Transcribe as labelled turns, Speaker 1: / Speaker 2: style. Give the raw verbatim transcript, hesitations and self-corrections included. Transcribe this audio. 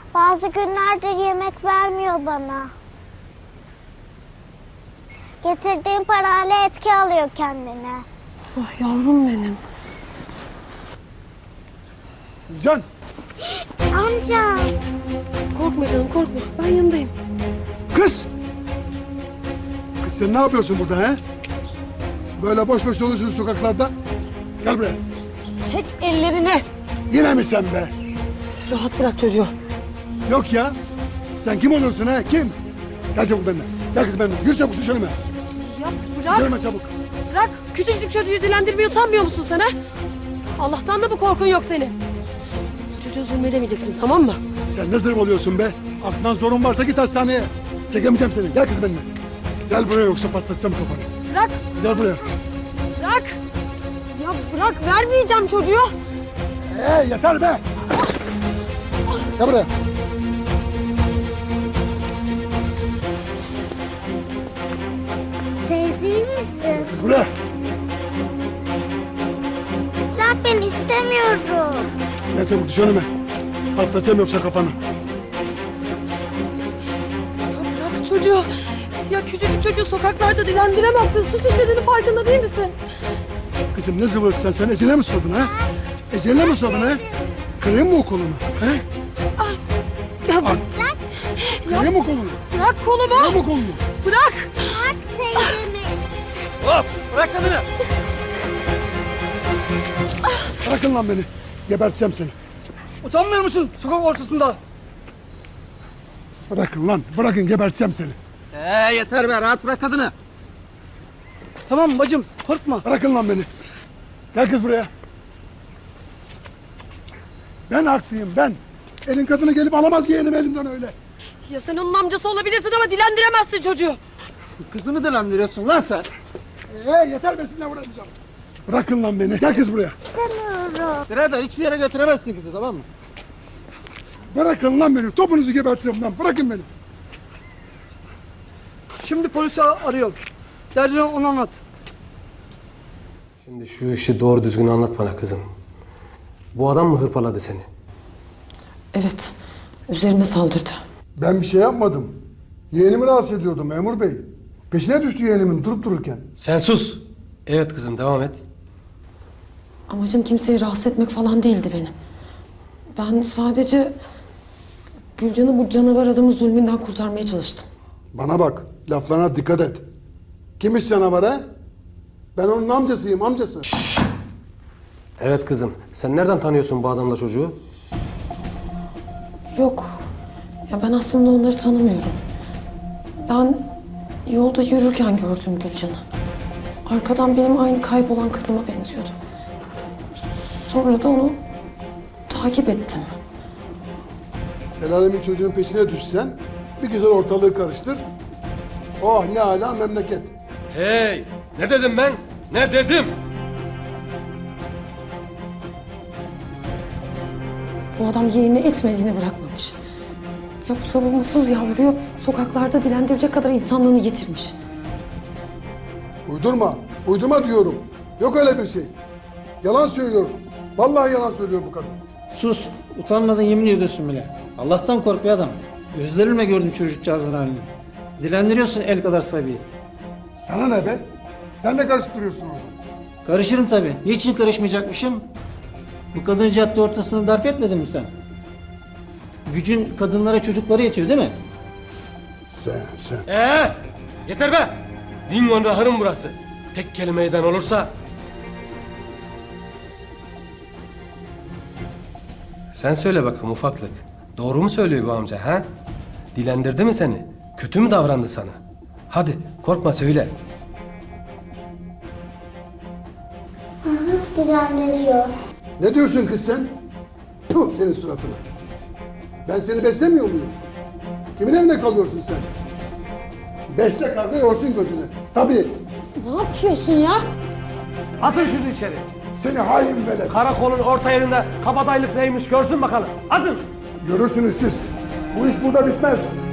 Speaker 1: Bazı günlerdir yemek vermiyor bana. Getirdiğim parayla etki alıyor kendine.
Speaker 2: Ah yavrum benim.
Speaker 3: Can!
Speaker 1: Amca.
Speaker 2: Korkma canım korkma. Ben yanındayım.
Speaker 3: Kız! Kız sen ne yapıyorsun burada he? Böyle boş boş dolaşıyorsun sokaklarda. Gel buraya.
Speaker 2: Çek ellerini.
Speaker 3: Yine mi sen be?
Speaker 2: Rahat bırak çocuğu.
Speaker 3: Yok ya. Sen kim oluyorsun he? Kim? Gel çabuk benimle. Gel kız benimle. Yürü çabuk düşürme.
Speaker 2: Ya bırak.
Speaker 3: Düşürme çabuk.
Speaker 2: Bırak. Küçücük çocuğu dilendirmeye utanmıyor musun sen ha? Allah'tan da bu korkun yok senin. Bu çocuğa zulmedemeyeceksin tamam mı?
Speaker 3: Sen ne zırh oluyorsun be? Aklından sorun varsa git hastaneye. Çekemeyeceğim seni. Gel kız benimle. Gel buraya yoksa patlatacağım kafanı.
Speaker 2: Bırak.
Speaker 3: Gel buraya.
Speaker 2: Bırak. Ya bırak vermeyeceğim çocuğu.
Speaker 3: Ee yeter be. Gel buraya.
Speaker 1: Teyze iyi misin?
Speaker 3: Kız buraya.
Speaker 1: Bırak ben istemiyorum.
Speaker 3: Gel çabuk düş önüme. Patlatacağım yoksa kafanı.
Speaker 2: Ya bırak çocuğu. Ya küçücük çocuğu sokaklarda dilendiremezsin. Suç işlediğinin farkında değil misin?
Speaker 3: Kızım ne zıvırsın sen? Sen ezile mi sordun ha? Ezile mi sordun ha? Kırayım mı o kolunu? He?
Speaker 2: Ya
Speaker 3: Al.
Speaker 1: Bırak.
Speaker 3: Kırayım mı kolunu?
Speaker 2: bırak kolumu.
Speaker 3: Kırayım mı kolunu?
Speaker 2: Bırak.
Speaker 1: Bırak teyzemi.
Speaker 4: Hop! Bırak kadını!
Speaker 3: Bırakın lan beni. Geberteceğim seni.
Speaker 4: Utanmıyor musun sokak ortasında?
Speaker 3: Bırakın lan. Bırakın geberteceğim seni.
Speaker 4: Ee yeter be, rahat bırak kadını. Tamam bacım, korkma.
Speaker 3: Bırakın lan beni. Gel kız buraya. Ben haklıyım ben. Elin kadını gelip alamaz yeğenim elimden öyle.
Speaker 2: Ya sen onun amcası olabilirsin ama dilendiremezsin çocuğu.
Speaker 4: Kızımı dilendiriyorsun lan sen.
Speaker 3: Ee yeter be sizinle uğraşmayacağım. Bırakın lan beni. Gel kız buraya.
Speaker 1: İstemiyorum.
Speaker 4: Birader hiçbir yere götüremezsin kızı, tamam mı?
Speaker 3: Bırakın lan beni. Topunuzu gebertirim lan. Bırakın beni.
Speaker 4: Şimdi polisi arıyorum. Derdini ona anlat.
Speaker 5: Şimdi şu işi doğru düzgün anlat bana kızım. Bu adam mı hırpaladı seni?
Speaker 2: Evet. Üzerime saldırdı.
Speaker 3: Ben bir şey yapmadım. Yeğenimi rahatsız ediyordum memur bey. Peşine düştü yeğenimin durup dururken.
Speaker 5: Sen sus. Evet kızım devam et.
Speaker 2: Amacım kimseyi rahatsız etmek falan değildi benim. Ben sadece Gülcan'ı bu canavar adamın zulmünden kurtarmaya çalıştım.
Speaker 3: Bana bak. Laflarına dikkat et. Kimmiş canavar ha? Ben onun amcasıyım amcası.
Speaker 5: Evet kızım. Sen nereden tanıyorsun bu adamla çocuğu?
Speaker 2: Yok. Ya ben aslında onları tanımıyorum. Ben yolda yürürken gördüm Gülcan'ı. Arkadan benim aynı kaybolan kızıma benziyordu. Sonra da onu takip ettim.
Speaker 3: El alemin çocuğun peşine düşsen bir güzel ortalığı karıştır. Oh ne ala memleket.
Speaker 5: Hey! Ne dedim ben? Ne dedim?
Speaker 2: Bu adam yeğenini etmediğini bırakmamış. Ya bu savunmasız yavruyu sokaklarda dilendirecek kadar insanlığını yitirmiş.
Speaker 3: Uydurma. Uydurma diyorum. Yok öyle bir şey. Yalan söylüyor. Vallahi yalan söylüyor bu kadın.
Speaker 4: Sus, utanmadan yemin ediyorsun bile. Allah'tan kork bir adam. Gözlerimle gördüm çocukcağızın halini. Dilendiriyorsun el kadar sabiyi.
Speaker 3: Sana ne be? Sen ne karışıp duruyorsun orada?
Speaker 4: Karışırım tabii. Niçin karışmayacakmışım? Bu kadın cadde ortasında darp etmedin mi sen? Gücün kadınlara çocuklara yetiyor değil mi?
Speaker 3: Sen sen.
Speaker 5: Ee! Yeter be! Dingo'nun ahırım burası. Tek kelimeyden olursa... Sen söyle bakalım ufaklık. Doğru mu söylüyor bu amca ha? Dilendirdi mi seni? Kötü mü davrandı sana? Hadi korkma söyle.
Speaker 1: Hı hı, dilendiriyor.
Speaker 3: Ne diyorsun kız sen? Tuh senin suratına. Ben seni beslemiyor muyum? Kimin evinde kalıyorsun sen? Besle karga yorsun gözünü. Tabii.
Speaker 2: Ne yapıyorsun ya?
Speaker 5: Atın şunu içeri.
Speaker 3: Seni hain velet.
Speaker 5: Karakolun orta yerinde kabadayılık neymiş görsün bakalım. Atın.
Speaker 3: Görürsünüz siz. Bu iş burada bitmez.